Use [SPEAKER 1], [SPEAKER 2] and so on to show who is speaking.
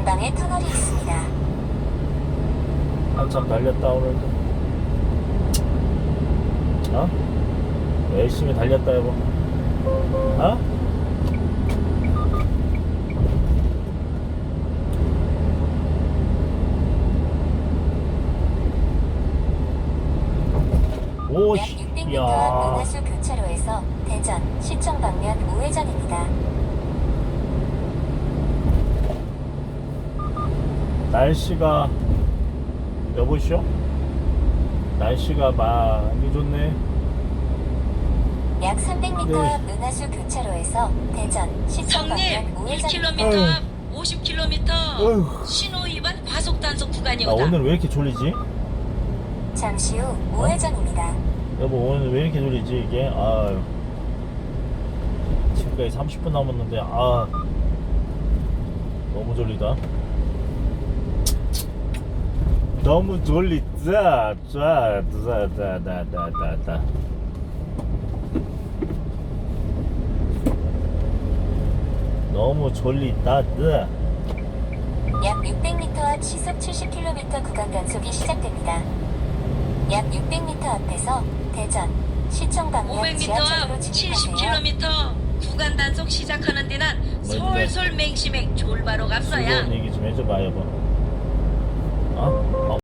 [SPEAKER 1] 전방에 터널이 있습니다.
[SPEAKER 2] 한참 달렸다 오늘도. 어? 열심히 달렸다 여보. 어? 오,
[SPEAKER 1] 약 600m
[SPEAKER 2] 야.
[SPEAKER 1] 앞 은하수 교차로에서 대전 시청 방면 우회전입니다.
[SPEAKER 2] 날씨가 여보시오? 날씨가 많이 좋네.
[SPEAKER 1] 약 300m
[SPEAKER 2] 네.
[SPEAKER 1] 앞 은하수 교차로에서 대전 시청
[SPEAKER 3] 성님
[SPEAKER 1] 방면 우회전입니다.
[SPEAKER 3] 1km 앞 50km
[SPEAKER 2] 어휴.
[SPEAKER 3] 신호 위반 과속 단속
[SPEAKER 2] 나
[SPEAKER 3] 구간이오다.
[SPEAKER 2] 오늘 왜 이렇게 졸리지?
[SPEAKER 1] 잠시 후 우회전입니다.
[SPEAKER 2] 여보 오늘 왜 이렇게 졸리지 이게? 아유. 지금까지 30분 남았는데 아 너무 졸리다. 너무 졸리다. 짜짜짜짜짜짜. 너무 졸리다.
[SPEAKER 1] 약 600m 앞 시속 70km 구간 단속이 시작됩니다. 약 600m 앞에서 대전 시청 방면
[SPEAKER 3] 500m
[SPEAKER 1] 지하철로
[SPEAKER 3] 앞
[SPEAKER 1] 진입하세요.
[SPEAKER 3] 70km 구간 단속 시작하는 데는 솔솔 맹심맹 졸바로
[SPEAKER 2] 즐거운
[SPEAKER 3] 갑서야.
[SPEAKER 2] 얘기 좀 해줘봐 여보. 어?